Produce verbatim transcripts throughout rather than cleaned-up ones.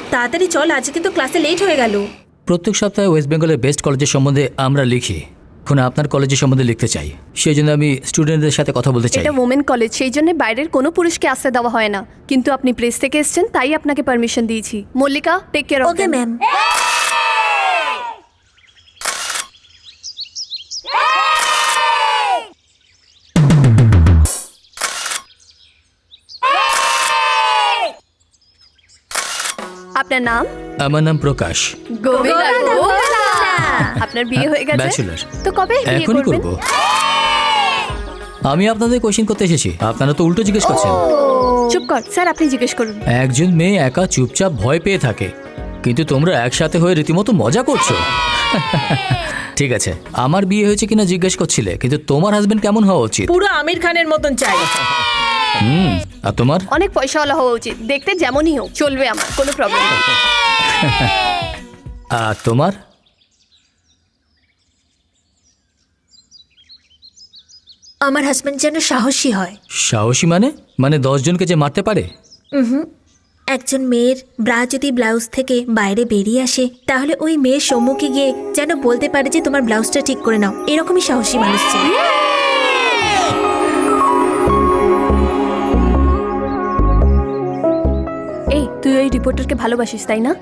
তাড়াতাড়ি চল, আজকে কিন্তু ক্লাসে লেট হয়ে গেল। প্রত্যেক সপ্তাহে ওয়েস্ট বেঙ্গলের বেস্ট কলেজের সম্বন্ধে আমরা লিখি। এখন আপনার কলেজের সম্বন্ধে লিখতে চাই, সেই জন্য আমি স্টুডেন্টদের সাথে কথা বলতে চাই। এটা ওমেন কলেজ, সেই জন্য বাইরের কোনো পুরুষকে আসতে দেওয়া হয় না, কিন্তু আপনি প্রেস থেকে এসেছেন তাই আপনাকে পারমিশন দিয়েছি। Mallika, take care of okay ma'am. আপনার নাম? আমার নাম প্রকাশ। গোবিন্দা, গোবিন্দা। আপনার বিয়ে হয়ে গেছে? ব্যাচেলর। তো কবে বিয়ে এখনই করবেন? করব। আমি আপনাদের কোশ্চেন করতে এসেছি, আপনারা তো উল্টো জিজ্ঞেস করছেন। চুপ কর স্যার, আপনি জিজ্ঞেস করুন। একজন মেয়ে একা চুপচাপ ভয় পেয়ে থাকে, কিন্তু তোমরা একসাথে হয়ে রীতিমতো মজা করছো। ঠিক আছে, আমার বিয়ে হয়েছে কিনা জিজ্ঞেস করছিলে, কিন্তু তোমার হাজবেন্ড কেমন হওয়া উচিত? পুরো আমির খানের মতন চাই। হুম, আর তোমার? অনেক পয়সাওয়ালা হওয়া উচিত, দেখতে যেমনই হোক চলবে, আমার কোনো প্রবলেম নেই। আর তোমার? আমার হাজবেন্ড যেন সাহসী হয়। সাহসী মানে? মানে দশ জনকে যে মারতে পারে? হুম, একজন মেয়ের ব্রা যদি ব্লাউজ থেকে বাইরে বেরিয়ে আসে, তাহলে ওই মেয়ের সম্মুখে গিয়ে যেন বলতে পারে যে তোমার ব্লাউজটা ঠিক করে নাও। এরকমই সাহসী মানুষ চাই। এই, তুই ওই রিপোর্টারকে ভালোবাসিস তাই না?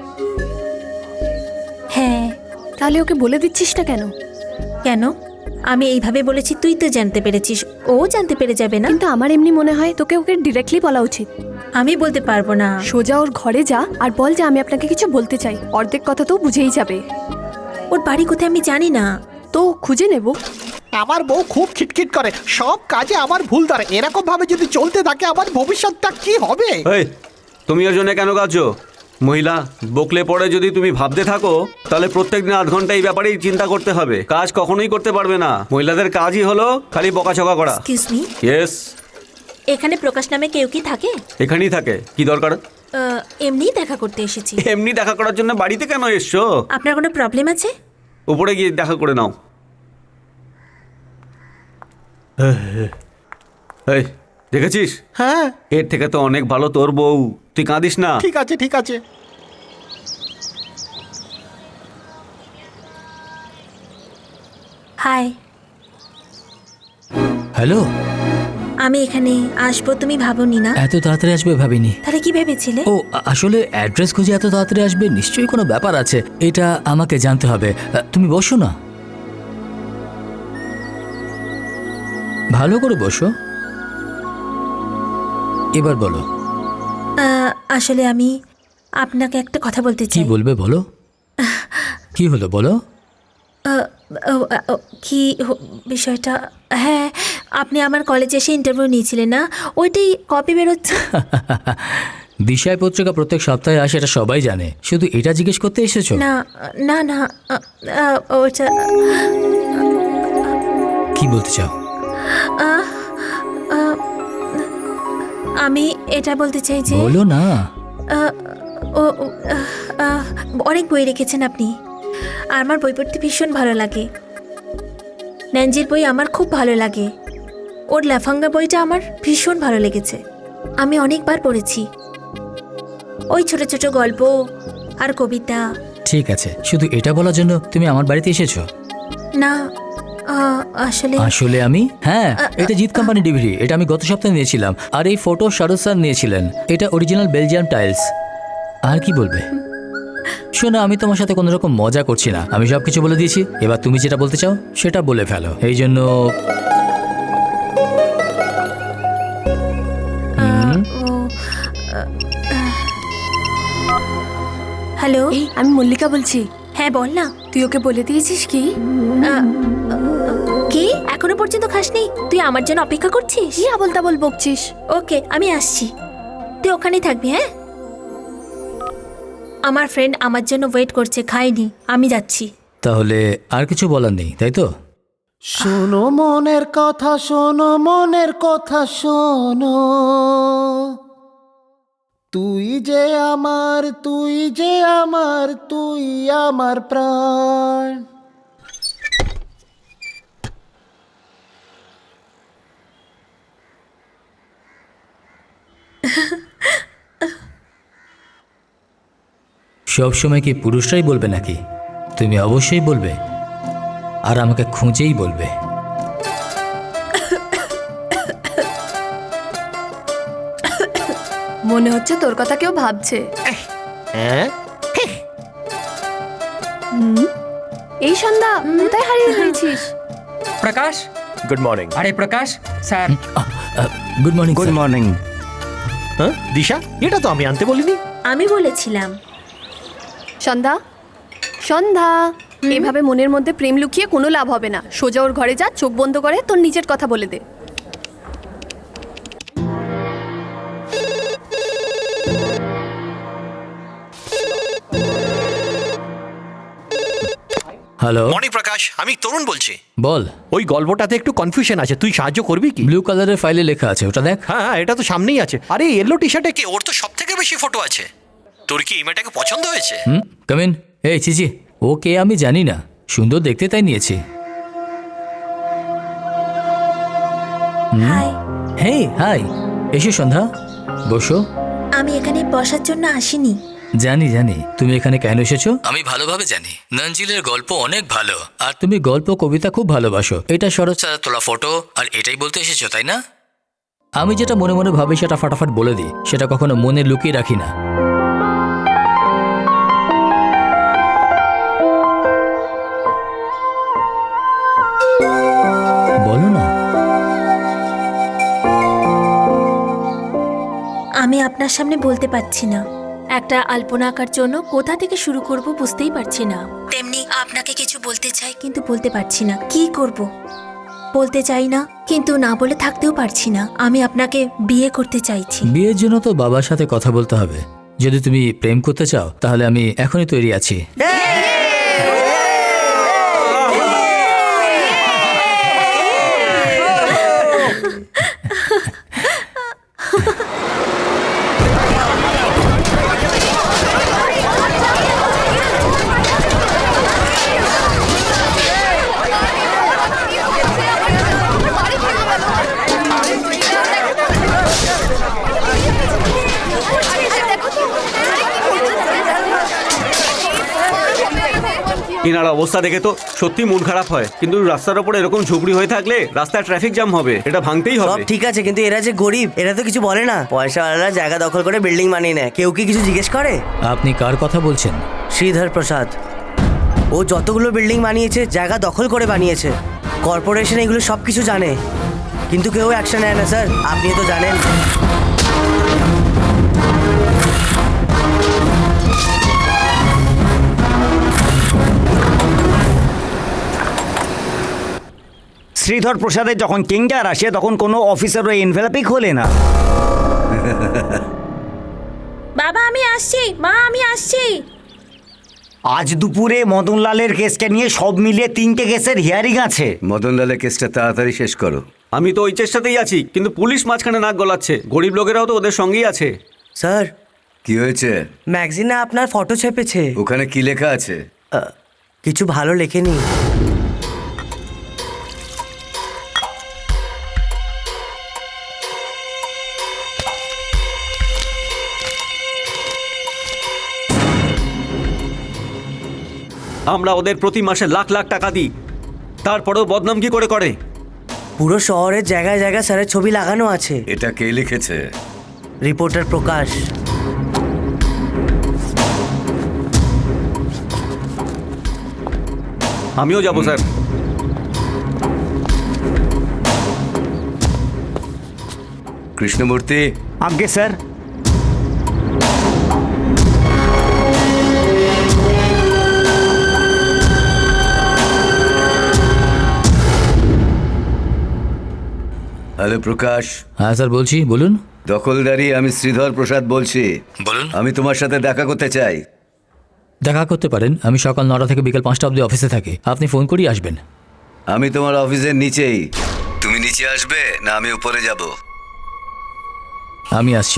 হ্যাঁ। তাহলে ওকে বলে দিচ্ছিস না কেন? কেন? আমি এইভাবে বলেছি, তুই তো জানতে পেরেছিস, ও জানতে পেরে যাবে না? কিন্তু আমার এমনি মনে হয় তোকে ওকে ডিরেক্টলি বলা উচিত। আমি বলতে পারবো না। সোজা ওর ঘরে যা আর বল যে আমি আপনাকে কিছু বলতে চাই, অর্ধেক কথা তো বুঝেই যাবে। ওর বাড়ি কোথায় আমি জানি না। তো খুঁজে নেব। আমার বউ খুব খিটখিট করে, সব কাজে আমার ভুল ধরে। এরকম ভাবে যদি চলতে থাকে আমার ভবিষ্যৎটা কি হবে? এই, তুমি ওর জন্য কেন কাঁদছো? মহিলা, বকলে পড়ে যদি তুমি ভাবতে থাকো তাহলে প্রত্যেক দিন আধ ঘন্টা এই ব্যাপারেই চিন্তা করতে হবে, কাজ কখনোই করতে পারবে না। মহিলাদের কাজই হলো খালি বকাঝকা করা। Excuse me, yes. এখানে প্রকাশ নামে কেউ কি থাকে? এখানেই থাকে। কি দরকার? আহ, এমনিই দেখা করতে এসেছি। এমনি দেখা করার জন্য বাড়িতে কেন এসছো? আপনার কোনো প্রবলেম আছে? উপরে গিয়ে দেখা করে নাও। এই, দেখেছিস? হ্যাঁ, এর থেকে তো অনেক ভালো তোর বউ। তুই কাঁদিস না। ঠিক আছে ঠিক আছে। Hi, hello. আমি এখানে আসবো তুমি ভাবোনি না? এত তাড়াতাড়ি আসবে ভাবিনি। তাহলে কি ভেবেছিলে? ও, আ- আসলে অ্যাড্রেস খুঁজে এত তাড়াতাড়ি আসবে, নিশ্চয়ই কোনো ব্যাপার আছে, এটা আমাকে জানতে হবে। আ, তুমি বসো না, ভালো করে বসো। এবার বলো। আহ, আসলে আমি আপনাকে একটা কথা বলতে কি চাই। বলবে বলো। কি হলো বলো। আহ, ও, আহ, ও, কি হ- বিষয়টা? হ্যাঁ, আপনি আমার কলেজে এসে ইন্টারভিউ নিয়েছিলেন না, ওইটাই কপি বেরোচ্ছে। দিশায় পত্রিকা প্রত্যেক সপ্তাহে আসে, এটা সবাই জানে, শুধু এটা জিজ্ঞেস করতে এসেছো? না না না, আহ, আহ, ওটা কি বলতে চাও? আহ, আহ, আমি এটা বলতে চাই যে বলো না। আহ, ও ও, আহ, আহ, অনেক বই রেখেছেন আপনি, আর আমার বই পড়তে ভীষণ ভালো লাগে। ন্যাঞ্জির বই আমার খুব ভালো লাগে, ওর লাফাঙ্গা বইটা আমার ভীষণ ভালো লেগেছে, আমি অনেকবার পড়েছি। ওই ছোট ছোট গল্প আর কবিতা। ঠিক আছে, শুধু এটা বলার জন্য তুমি আমার বাড়িতে এসেছো? না, আহ, আসলে আসলে আমি, হ্যাঁ, এটা জিৎ কোম্পানি ডিভিডি, এটা আমি গত সপ্তাহে নিয়েছিলাম। আর এই ফটো শাহরুখ স্যার নিয়েছিলেন, এটা অরিজিনাল বেলজিয়াম টাইলস। আর কি বলবে? শোনো, আমি তোমার সাথে কোনো রকম মজা করছি না, আমি সব কিছু বলে দিয়েছি, এবার তুমি যেটা বলতে চাও সেটা বলে ফেলো। এই জন্য আহ, ও, হ্যালো। এই, আমি মল্লিকা বলছি। হ্যাঁ বল না। তুই ওকে বলে দিয়েছিস কি? কি এখনো পর্যন্ত খাসনি? তুই আমার জন্য অপেক্ষা করছিস? কি আবল তাবল বকছিস? ওকে, আমি আসছি, তুই ওখানেই থাকবি। হ্যাঁ, আমার ফ্রেন্ড আমার জন্য ওয়েট করছে, খাইনি, আমি যাচ্ছি। তাহলে আর কিছু বলার নেই, তাই তো? শোনো মনের কথা, শোনো মনের কথা, শোনো। তুই যে আমার, তুই যে আমার, তুই আমার প্রাণ। সব সময় কি পুরুষরাই বলবে নাকি? তুমি অবশ্যই বলবে, আর আমাকে খুঁজেই বলবে। মনে হচ্ছে তোর কথা কেউ ভাবছে। হ্যাঁ এই সন্ধ্যা কোথায় হারিয়ে গেছিস? Prakash, good morning. আরে Prakash sir. Good morning. Good morning. হ্যাঁ দিশা, এটা তো আমি আনতে বলিনি। আমি বলেছিলাম। সন্ধ্যা, সন্ধ্যা, এভাবে মনের মধ্যে প্রেম লুকিয়ে কোনো লাভ হবে না। সোজা ওর ঘরে যা, চোখ বন্ধ করে তোর নিজের কথা বলে দে। হ্যালো, মর্নিং প্রকাশ, আমি তরুণ বলছি। বল। ওই গল্পটাতে একটু কনফিউশন আছে, তুই সাহায্য করবি কি? ব্লু কালারের ফাইলে লেখা আছে, ওটা দেখ। হ্যাঁ হ্যাঁ, এটা তো সামনেই আছে। আরে ইয়েলো টি শার্টে কে, ওর তো সব থেকে বেশি ফটো আছে। তোর কি এই মেয়েটাকে পছন্দ হয়েছে? হুম, কামিন। এই চিচি, ও কে আমি জানি না, সুন্দর দেখতে তাই নিয়েছি। Hi, hey, hi. এসো সন্ধ্যা, বসো। আমি এখানে বসার জন্য আসিনি। জানি জানি তুমি এখানে কেন এসেছো, আমি ভালোভাবে জানি। নঞ্জিলের গল্প অনেক ভালো, আর তুমি গল্প কবিতা খুব ভালোবাসো। এটা শরৎ স্যারের তোলা ফটো, আর এটাই বলতে এসেছো তাই না? আমি যেটা মনে মনে ভাবি সেটা ফাটাফাট বলে দিই, সেটা কখনো মনে লুকিয়ে রাখি না। বলো না। আমি আপনার সামনে বলতে পারছি না। একটা আলপনা আঁকার জন্য কোথা থেকে শুরু করব বুঝতেই পারছি না। তেমনি আপনাকে কিছু বলতে চাই, কিন্তু বলতে পারছি না। কি করব? বলতে চাই না, কিন্তু না বলে থাকতেও পারছি না। আমি আপনাকে বিয়ে করতে চাইছি। বিয়ের জন্য তো বাবার সাথে কথা বলতে হবে। যদি তুমি প্রেম করতে চাও তাহলে আমি এখনই তৈরি আছি। এনার অবস্থা দেখে তো সত্যি মন খারাপ হয়, কিন্তু রাস্তার ওপরে এরকম ঝুপড়ি হয়ে থাকলে রাস্তায় ট্রাফিক জ্যাম হবে, এটা ভাঙতেই সব হবে। ঠিক আছে, কিন্তু এরা যে গরিব, এরা তো কিছু বলে না। পয়সাওয়ালারা জায়গা দখল করে বিল্ডিং বানিয়ে নেয়, কেউ কি কিছু জিজ্ঞেস করে? আপনি কার কথা বলছেন? শ্রীধর প্রসাদ। ও যতগুলো বিল্ডিং বানিয়েছে জায়গা দখল করে বানিয়েছে। কর্পোরেশন এগুলো সব কিছু জানে, কিন্তু কেউ অ্যাকশন নেয় না স্যার, আপনি তো জানেন। শ্রীধর প্রসাদের যখন টেন্ডার আসে তখন কোনো অফিসার ওই এনভেলপই খোলে না। বাবা আমি আসছি, মা আমি আসছি। আজ দুপুরে মদনলালের কেসকে নিয়ে সব মিলিয়ে তিনটে কেসের হিয়ারিং আছে। মদনলালের কেসটা তাড়াতাড়ি শেষ করো। আমি তো ওই চেষ্টাতেই আছি, কিন্তু পুলিশ মাঝখানে নাক গলাচ্ছে। গরিব লোকেরাও তো ওদের সঙ্গেই আছে। স্যার, কি হয়েছে? ম্যাগজিনে আপনার ফটো ছেপেছে। ওখানে কি লেখা আছে? আহ, কিছু ভালো লেখেনি। আমরা ওদের প্রতি মাসে লাখ লাখ টাকা দিই, তারপরেও বদনাম কি করে করে? পুরো শহরের জায়গায় জায়গায় স্যারের ছবি লাগানো আছে। এটা কে লিখেছে? রিপোর্টার প্রকাশ। আমিও যাবো স্যার। কৃষ্ণমূর্তি, আজ্ঞে স্যার। হ্যালো প্রকাশ। হ্যাঁ স্যার বলছি, বলুন। দখলদারি, আমি শ্রীধর প্রসাদ বলছি। বলুন। আমি তোমার সাথে দেখা করতে চাই। দেখা করতে পারেন, আমি সকাল নটা থেকে বিকাল পাঁচটা অবধি অফিসে থাকি। আপনি ফোন করেই আসবেন। আমি তোমার অফিসের নিচেই। তুমি নিচে আসবে না আমি উপরে যাব? আমি আসছি।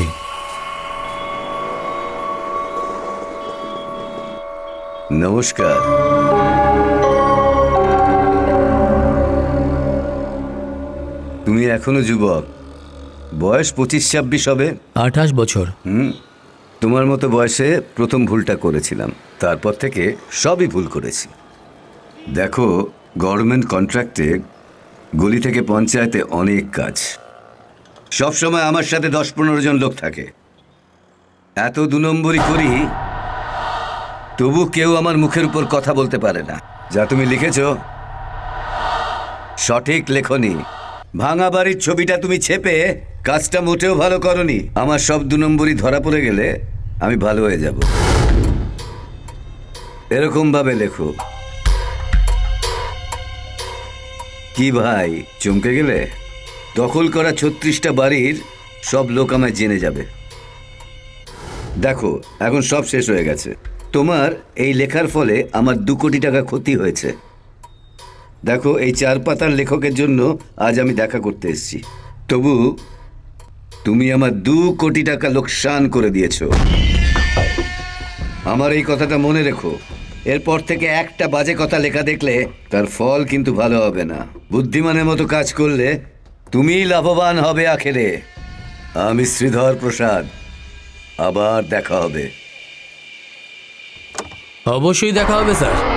নমস্কার। তুমি এখনো যুবক, বয়স পঁচিশ ছাব্বিশ হবে। আঠাশ বছর। হুম, তোমার মতো বয়সে প্রথম ভুলটা করেছিলাম, তারপর থেকে সবই ভুল করেছি। দেখো, গভর্নমেন্ট কন্ট্রাক্টে গলি থেকে পঞ্চায়েতে অনেক কাজ, সব সময় আমার সাথে দশ পনেরো জন লোক থাকে। এত দু নম্বরই করি, তবু কেউ আমার মুখের উপর কথা বলতে পারে না। যা তুমি লিখেছ সঠিক লেখনি। ভাঙা বাড়ির ছবিটা তুমি ছেপে কাজটা মোটেও ভালো করনি। আমার সব দু নম্বরই ধরা পড়ে গেলে আমি ভালো হয়ে যাব। এরকম ভাবে লেখো। কি ভাই, চমকে গেলে? দখল করা ছত্রিশটা বাড়ির সব লোক আমায় জেনে যাবে। দেখো, এখন সব শেষ হয়ে গেছে। তোমার এই লেখার ফলে আমার দু কোটি টাকা ক্ষতি হয়েছে। দেখো, এই চার পাতার লেখকের জন্য আজ আমি দেখা করতে এসেছি, তবু তুমি আমার দু কোটি টাকা লোকসান করে দিয়েছো। আমার এই কথাটা মনে রেখো। এরপর থেকে একটা বাজে কথা লেখা দেখলে তার ফল কিন্তু ভালো হবে না। বুদ্ধিমানের মতো কাজ করলে তুমিই লাভবান হবে আখেরে। আমি শ্রীধর প্রসাদ, আবার দেখা হবে। অবশ্যই দেখা হবে স্যার।